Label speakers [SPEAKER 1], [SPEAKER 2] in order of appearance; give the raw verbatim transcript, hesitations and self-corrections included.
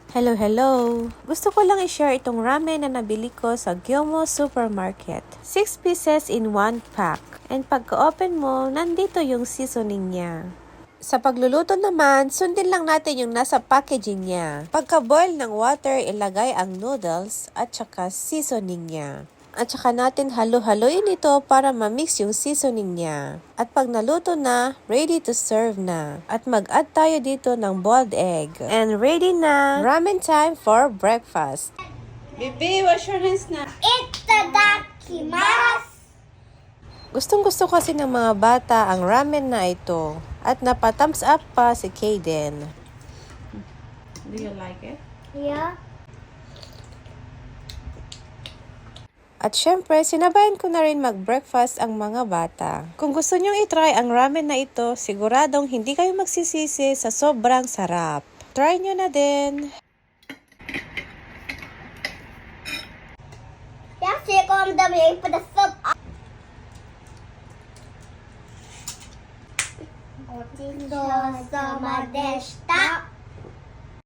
[SPEAKER 1] Hello, hello! Gusto ko lang i-share itong ramen na nabili ko sa Gyomo Supermarket. six pieces in one pack. And pagka-open mo, nandito yung seasoning niya. Sa pagluluto naman, sundin lang natin yung nasa packaging niya. Pagka-boil ng water, ilagay ang noodles at saka seasoning niya. At saka natin halo-haloin ito para ma-mix yung seasoning niya. At pag naluto na, ready to serve na. At mag-add tayo dito ng boiled egg. And ready na! Ramen time for breakfast.
[SPEAKER 2] Baby, wash your hands na.
[SPEAKER 3] Itadakimasu!
[SPEAKER 1] Gustong gusto kasi ng mga bata ang ramen na ito. At napa-thumbs up pa si Kaden.
[SPEAKER 2] Do you like it?
[SPEAKER 3] Yeah.
[SPEAKER 1] At syempre, sinabayan ko na rin mag-breakfast ang mga bata. Kung gusto nyong itry ang ramen na ito, siguradong hindi kayo magsisisi sa sobrang sarap. Try nyo na din!
[SPEAKER 3] Jag försöker om de är på det stopp. Och till då som är desta.